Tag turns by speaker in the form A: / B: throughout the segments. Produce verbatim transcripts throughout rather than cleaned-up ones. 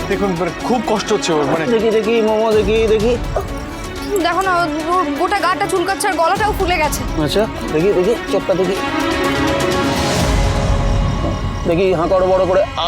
A: দেখুন মানে খুব কষ্ট হচ্ছে ওর, মানে
B: দেখি দেখি মোমো দেখি দেখি।
C: দেখো না, ওর গোটা গাটা চুলকাচ্ছে আর গলাটাও ফুলে গেছে।
B: আচ্ছা দেখি দেখি চোখটা দেখি দেখি হাঁ করো বড় করে। আ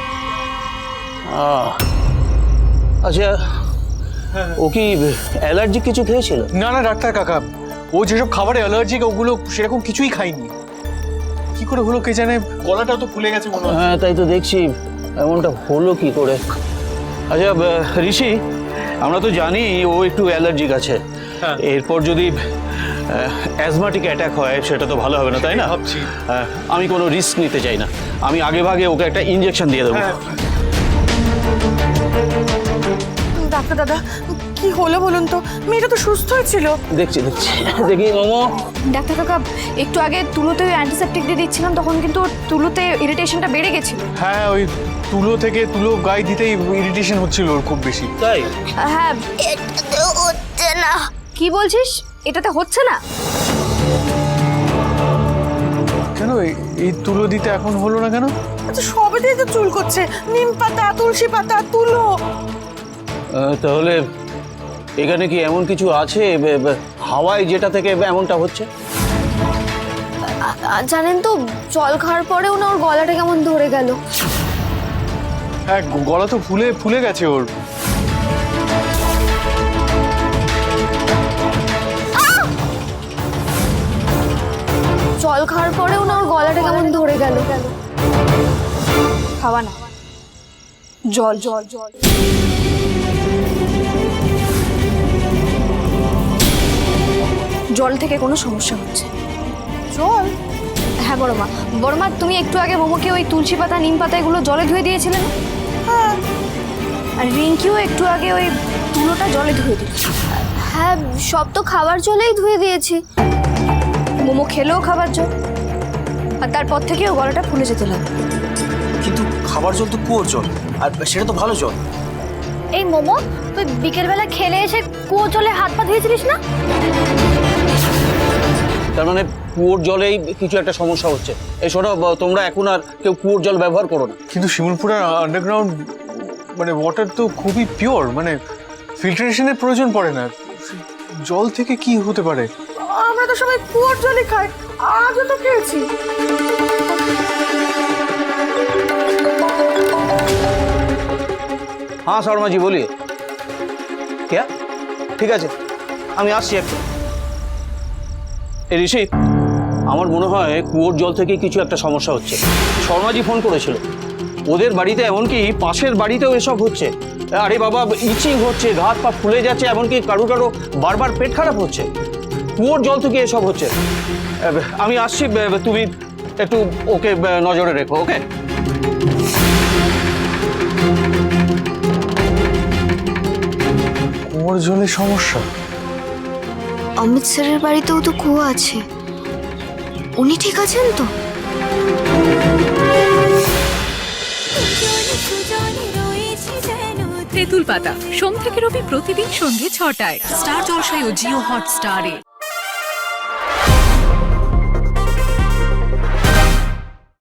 B: আ আচ্ছা ও কি অ্যালার্জি কিছু খেয়েছিল?
A: না না ডাক্তার কাকা, ও যেসব খাবারে অ্যালার্জিক ওগুলো সেরকম কিছুই খায়নি। কি করে হলো কে জানে, গলাটাও তো ফুলে গেছে মনে হয়।
B: হ্যাঁ তাই তো দেখছি, এমনটা হলো কি করে? আচ্ছা ঋষি, আমরা তো জানি ও একটু অ্যালার্জিক আছে, এরপর যদি অ্যাজমাটিক অ্যাটাক হয় সেটা তো ভালো হবে না, তাই না?
A: ভাবছি
B: আমি কোনো রিস্ক নিতে চাই না, আমি আগে ভাগে ওকে একটা ইনজেকশন দিয়ে দেবো।
D: ডাক্তার দাদা কি হলো বলুন তো, মেয়েটা তো সুস্থ হয়েছিল।
B: দেখছি দেখছি দেখি মোমো।
C: ডাক্তার কাকা, একটু আগে তুলোতে অ্যান্টিসেপটিক দিয়ে দিচ্ছিলাম, তখন কিন্তু ওর তুলোতে ইরিটেশনটা বেড়ে গেছিল।
A: হ্যাঁ ওই তুলো থেকে তুলো গায়ে দিতেই ইরিটেশন হচ্ছিল ওর খুব বেশি।
B: তাই?
C: হ্যাঁ। এটাতে হচ্ছে না। কি বলছিস? এটাতে হচ্ছে না?
A: কেন এই- এই তুলো দিতে এখন হলো না কেন?
D: আচ্ছা সবে দিয়ে তো চুল করছে, নিম পাতা, তুলসী পাতা, তুলো।
B: আহ, তাহলে এখানে কি এমন কিছু আছে বে- বে- হাওয়ায় যেটা থেকে এমনটা হচ্ছে?
C: জানেন তো, জল খাওয়ার পরেও না ওর গলাটা কেমন ধরে গেল।
A: হ্যাঁ গলা তো ফুলে ফুলে গেছে ওর।
C: জল খাওয়ার পরেও না ওর গলাটা কেমন ধরে গেল। খাওয়া না, জল জল জল। জল থেকে কোনো সমস্যা হচ্ছে।
D: জল?
C: হ্যাঁ বড়মা, বড়মা তুমি একটু আগে মোমোকে ওই তুলসী পাতা নিম পাতা এগুলো জলে ধুয়ে দিয়েছিলে না?
D: হ্যাঁ।
C: আর রিঙ্কিও একটু আগে ওই তুলোটা জলে ধুয়ে দিল। হ্যাঁ সব তো খাবার জলেই ধুয়ে দিয়েছি। মোমো খেলেও খাবার জল, আর তারপর থেকেও গলাটা ফুলে যেতে লাগলো।
E: কিন্তু খাবার জল তো কুয়োর জল, আর সেটা তো ভালো জল।
C: এই মোমো, তুই বিকেলবেলা খেলে এসে কুয়ো জলে হাত পা ধুয়েছিলিস না?
B: তার মানে কুয়োর জলেই কিছু একটা সমস্যা হচ্ছে। এই শোনো, ব- তোমরা এখন আর কেউ কুয়োর জল ব্যবহার করো না।
A: কিন্তু শিমুলপুরের আন্ডারগ্রাউন্ড মানে ওয়াটার তো খুবই পিওর, মানে ফিল্টারেশনের প্রয়োজন পড়ে না। জল থেকে কি হতে পারে?
D: আমরা তো সবাই কুয়োর জলই খাই, আজও তো খেয়েছি।
B: হ্যাঁ শর্মাজি বলিয়ে কে? ঠিক আছে আমি আসছি একটু। এই ঋষি, আমার মনে হয় কুয়োর জল থেকে কিছু একটা সমস্যা হচ্ছে। শর্মাজি ফোন করেছিল, ওদের বাড়িতে এমনকি পাশের বাড়িতেও এসব হচ্ছে। আরে বাবা, ইচিং হচ্ছে, হাত পা ফুলে যাচ্ছে, এমনকি কারো কারো বারবার পেট খারাপ হচ্ছে। কুয়োর জল থেকে এসব হচ্ছে। আমি আসছি, তুমি একটু ওকে নজরে রেখো, ওকে?
A: কুয়োর জলের সমস্যা?
C: অমিত স্যারের বাড়িতেও তো কুয়ো আছে, উনি ঠিক আছেন তো?
F: তেঁতুল পাতা সোম থেকে রবি প্রতিদিন সন্ধ্যে ছটায় স্টার জলসায় ও জিও হটস্টারে।